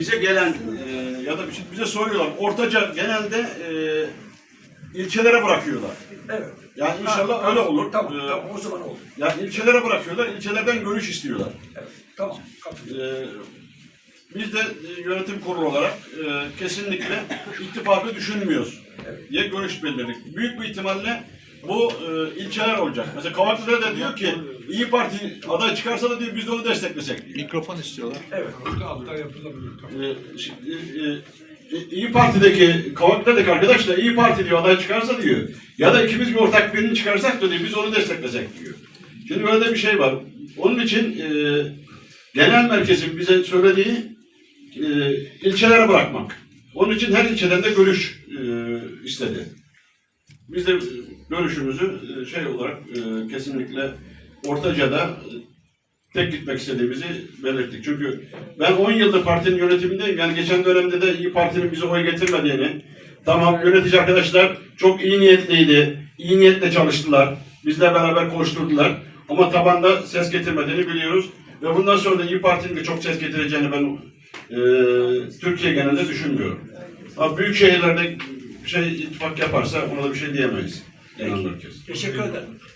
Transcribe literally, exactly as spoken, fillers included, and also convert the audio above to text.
Bize gelen e, ya da bize soruyorlar. Ortaca genelde e, ilçelere bırakıyorlar. Evet. Yani inşallah ha, öyle olur. Tamam, ee, tamam o zaman olur. Yani ilçelere bırakıyorlar. İlçelerden görüş istiyorlar. Evet, tamam. Ee, biz de yönetim kurulu olarak e, kesinlikle ittifakı düşünmüyoruz Evet. diye görüş belirledik. Büyük bir ihtimalle bu e, ilçeler olacak. Mesela Kavaklı'da da diyor ki İyi Parti aday çıkarsa da diyor biz de onu desteklesek diyor. Mikrofon istiyorlar. Evet. Hatta yapılabilir. Ee, şimdi, e, e, İyi Parti'deki Kavaklı'daki arkadaş da İyi Parti diyor aday çıkarsa diyor ya da ikimiz bir ortak birini çıkarsak da diyor biz onu desteklesek diyor. Şimdi böyle de bir şey var. Onun için e, genel merkezin bize söylediği e, ilçelere bırakmak. Onun için her ilçeden de görüş e, istedi. Biz de görüşümüzü e, şey olarak e, kesinlikle Ortaca'da e, tek gitmek istediğimizi belirttik. Çünkü ben on yıldır partinin yönetimindeyim. Yani geçen dönemde de İyi Parti'nin bize oy getirmediğini, tamam yönetici arkadaşlar çok iyi niyetliydi, iyi niyetle çalıştılar, bizle beraber koşturdular. Ama tabanda ses getirmediğini biliyoruz. Ve bundan sonra da İyi Parti'nin de çok ses getireceğini ben e, Türkiye genelinde düşünmüyorum. Ama büyük şehirlerde şey ittifak yaparsa ona da bir şey diyemeyiz. Genel merkez. Teşekkür ederim.